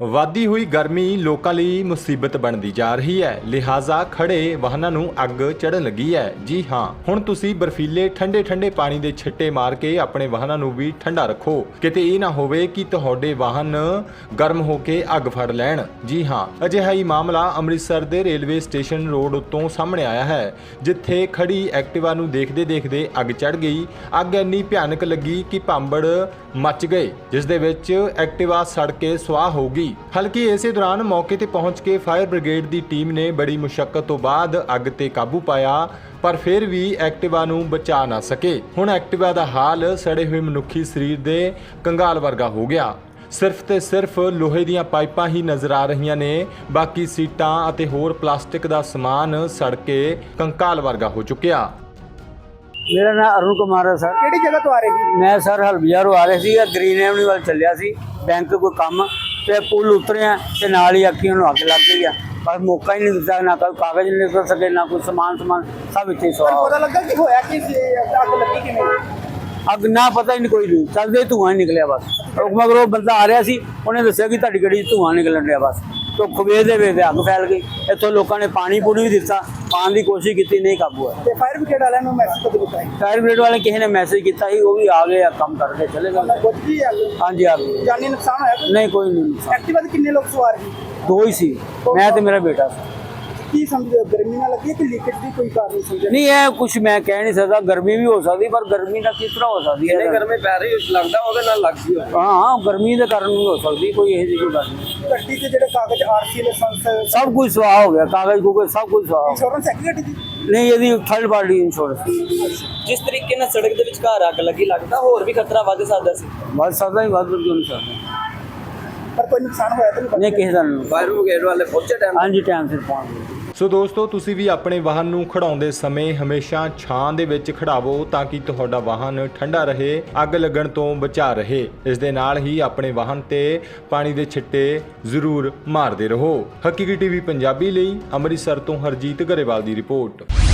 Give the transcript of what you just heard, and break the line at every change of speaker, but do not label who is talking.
ਵਧਦੀ ਹੋਈ ਗਰਮੀ ਲੋਕਾਂ ਲਈ ਮੁਸੀਬਤ ਬਣਦੀ ਜਾ ਰਹੀ ਹੈ, ਲਿਹਾਜ਼ਾ ਖੜੇ ਵਾਹਨਾਂ ਨੂੰ ਅੱਗ ਚੜ੍ਹਨ ਲੱਗੀ ਹੈ। ਜੀ ਹਾਂ, ਹੁਣ ਤੁਸੀਂ ਬਰਫੀਲੇ ਠੰਡੇ ਪਾਣੀ ਦੇ ਛਿੱਟੇ ਮਾਰ ਕੇ ਆਪਣੇ ਵਾਹਨਾਂ ਨੂੰ ਵੀ ਠੰਡਾ ਰੱਖੋ। ਕਿਤੇ ਇਹ ਨਾ ਹੋਵੇ ਕਿ ਤੁਹਾਡੇ ਵਾਹਨ ਗਰਮ ਹੋ ਕੇ ਅੱਗ ਫੜ ਲੈਣ। ਜੀ ਹਾਂ, ਅਜਿਹਾ ਹੀ ਮਾਮਲਾ ਅੰਮ੍ਰਿਤਸਰ ਦੇ ਰੇਲਵੇ ਸਟੇਸ਼ਨ ਰੋਡ ਉੱਤੋਂ ਸਾਹਮਣੇ ਆਇਆ ਹੈ, ਜਿੱਥੇ ਖੜੀ ਐਕਟਿਵਾ ਨੂੰ ਦੇਖਦੇ ਅੱਗ ਚੜ੍ਹ ਗਈ। ਅੱਗ ਇੰਨੀ ਭਿਆਨਕ ਲੱਗੀ ਕਿ ਭਾਂਬੜ ਮੱਚ ਗਏ, ਜਿਸ ਦੇ ਵਿੱਚ ਐਕਟਿਵਾ ਸੜ ਕੇ ਸੁਆਹ ਹੋ ਗਈ। ਹਲਕੀ ਇਸੇ ਦੌਰਾਨ ਮੌਕੇ ਤੇ ਪਹੁੰਚ ਕੇ ਫਾਇਰ ਬ੍ਰਿਗੇਡ ਦੀ ਟੀਮ ਨੇ ਬੜੀ ਮੁਸ਼ੱਕਤ ਤੋਂ ਬਾਅਦ ਅੱਗ ਤੇ ਕਾਬੂ ਪਾਇਆ, ਪਰ ਫਿਰ ਵੀ ਐਕਟਿਵਾ ਨੂੰ ਬਚਾ ਨਾ ਸਕੇ। ਹੁਣ ਐਕਟਿਵਾ ਦਾ ਹਾਲ ਸੜੇ ਹੋਏ ਮਨੁੱਖੀ ਸਰੀਰ ਦੇ ਕੰਗਾਲ ਵਰਗਾ ਹੋ ਗਿਆ। ਸਿਰਫ ਤੇ ਸਿਰਫ ਲੋਹੇ ਦੀਆਂ ਪਾਈਪਾਂ ਹੀ ਨਜ਼ਰ ਆ ਰਹੀਆਂ ਨੇ, ਬਾਕੀ ਸੀਟਾਂ ਅਤੇ ਹੋਰ ਪਲਾਸਟਿਕ ਦਾ ਸਮਾਨ ਸੜ ਕੇ ਕੰਕਾਲ ਵਰਗਾ ਹੋ ਚੁੱਕਿਆ।
मेरा नाम अरुण कुमार है सर।
ਕਿਹੜੀ ਜਗ੍ਹਾ ਤੋਂ ਆ ਰਹੇ ਸੀ?
मैं सर हलबिया रो आ रहे सी ग्रीन एवनी वाल चलिया सी बैंक कोई काम ते पुल उतरे हैं ते नाल ही अखियों ਨੂੰ ਅੱਗ ਲੱਗ ਗਈ ਆ। बस मौका ही नहीं दिता, ना कोई कागज नहीं निकल सके, ना कोई समान सब इतने सवा
ਪਤਾ ਲੱਗਾ ਕਿ ਹੋਇਆ ਕਿ ਅੱਗ ਲੱਗੀ ਕਿਵੇਂ?
ਅੱਗ ਨਾ ਪਤਾ ਹੀ ਨਹੀਂ ਕੋਈ ਨਹੀਂ ਚੱਲਦੇ ਧੂਆਂ ਹੀ ਨਿਕਲਿਆ ਬਸ। ਮਗਰੋਂ ਬੰਦਾ ਆ ਰਿਹਾ ਸੀ, ਉਹਨੇ ਦੱਸਿਆ ਕਿ ਤੁਹਾਡੀ ਗੱਡੀ 'ਚ ਧੂਆਂ ਨਿਕਲਣ ਰਿਹਾ। ਬਸ ਧੁੱਪ ਵੇਖਦੇ ਅੱਗ ਫੈਲ ਗਈ। ਇੱਥੋਂ ਲੋਕਾਂ ਨੇ ਪਾਣੀ ਪੂਣੀ ਵੀ ਦਿੱਤਾ, ਪਾਣ ਦੀ ਕੋਸ਼ਿਸ਼ ਕੀਤੀ, ਨਹੀਂ ਕਾਬੂ ਆਇਆ।
ਤੇ ਫਾਇਰ ਬ੍ਰਿਗੇਡ ਵਾਲਿਆਂ ਨੂੰ ਮੈਸੇਜ ਕਦੋਂ ਦਿੱਤਾ?
ਫਾਇਰ ਬ੍ਰਿਗੇਡ ਵਾਲੇ ਕਿਸੇ ਨੇ ਮੈਸੇਜ ਕੀਤਾ ਸੀ, ਉਹ ਵੀ ਆ ਗਏ ਆ, ਕੰਮ ਕਰਕੇ ਚਲੇ ਗਏ।
ਬੁੱਝ ਗਈ ਅੱਗ?
ਹਾਂਜੀ ਆ ਗਏ।
ਜਾਨੀ ਨੁਕਸਾਨ ਹੋਇਆ ਕੋਈ?
ਨਹੀਂ ਕੋਈ ਨਹੀਂ,
ਐਕਟਿਵਾ ਤੇ ਕਿੰਨੇ ਲੋਕ ਸਵਾਰ ਸੀ?
ਦੋ ਹੀ ਸੀ, ਮੈਂ ਤੇ ਮੇਰਾ ਬੇਟਾ ਸੀ।
ਕੀ ਸਮਝਦੇ ਹੋ, ਗਰਮੀ ਨਾਲ ਲੱਗੀ ਹੈ ਕਿ ਲੀਕੇਜ ਦੀ ਕੋਈ ਕਾਰਨ ਸਮਝਦੇ?
ਨਹੀਂ ਇਹ ਕੁਝ ਮੈਂ ਕਹਿ ਨਹੀਂ ਸਕਦਾ, ਗਰਮੀ ਵੀ ਹੋ ਸਕਦੀ, ਪਰ ਗਰਮੀ ਨਾਲ ਕਿਸ ਤਰ੍ਹਾਂ ਹੋ ਸਕਦੀ ਹੈ?
ਗਰਮੀ ਪੈ ਰਹੀ ਲੱਗਦਾ ਉਹਦੇ ਨਾਲ ਲੱਗ ਗਈ।
ਹਾਂ ਗਰਮੀ ਦੇ ਕਾਰਨ ਵੀ ਹੋ ਸਕਦੀ, ਕੋਈ ਇਹੋ ਜਿਹੀ ਕੋਈ ਗੱਲ ਨਹੀਂ।
ਗੱਡੀ ਤੇ ਜਿਹੜੇ ਕਾਗਜ਼ ਆਰਸੀ ਲਾਇਸੈਂਸ
ਸਭ ਕੁਝ ਸਵਾਹ ਹੋ ਗਿਆ, ਕਾਗਜ਼ ਕੂਗਜ਼ ਸਭ ਕੁਝ ਸਵਾਹ ਹੋ
ਇੰਸ਼ੋਰੈਂਸ ਹੈ ਕਿ ਗੱਡੀ ਦੀ?
ਗਿਆ। ਨਹੀਂ ਇਹਦੀ ਥਰਡ ਪਾਰਟੀ ਇੰਸ਼ੋਰੈਂਸ।
ਜਿਸ ਤਰੀਕੇ ਨਾਲ ਸੜਕ ਦੇ ਵਿਚਕਾਰ ਅੱਗ ਲੱਗੀ, ਲੱਗਦਾ ਹੋਰ ਵੀ ਖਤਰਾ ਵੱਧ ਸਕਦਾ ਸੀ।
ਵੱਧ ਸਕਦਾ ਹੀ ਵੱਧ ਕਿਉਂ ਨਹੀਂ ਸਕਦਾ?
ਪਰ ਕੋਈ ਨੁਕਸਾਨ ਹੋਇਆ ਤਾਂ
ਨਹੀਂ ਕਿਸੇ ਦਾ ਨਹੀਂ।
ਫਾਇਰ ਬ੍ਰਿਗੇਡ ਵਾਲੇ ਪਹੁੰਚੇ ਟਾਈਮ?
ਹਾਂਜੀ ਟਾਈਮ ਸਿਰ ਪਹੁੰਚ ਗਏ।
ਸੋ ਦੋਸਤੋ, ਤੁਸੀਂ ਵੀ ਆਪਣੇ ਵਾਹਨ ਨੂੰ ਖੜਾਉਂਦੇ ਸਮੇਂ ਹਮੇਸ਼ਾ ਛਾਂ ਦੇ ਵਿੱਚ ਖੜਾਵੋ ਤਾਂ ਕਿ ਤੁਹਾਡਾ ਵਾਹਨ ਠੰਡਾ ਰਹੇ, ਅੱਗ ਲੱਗਣ ਤੋਂ ਬਚਾ ਰਹੇ। ਇਸ ਦੇ ਨਾਲ ਹੀ ਆਪਣੇ ਵਾਹਨ ਤੇ ਪਾਣੀ ਦੇ ਛਿੱਟੇ ਜ਼ਰੂਰ ਮਾਰਦੇ ਰਹੋ। ਹਕੀਕੀ ਟੀਵੀ ਪੰਜਾਬੀ ਲਈ ਅੰਮ੍ਰਿਤਸਰ ਤੋਂ ਹਰਜੀਤ ਗਰੇਵਾਲ ਦੀ ਰਿਪੋਰਟ।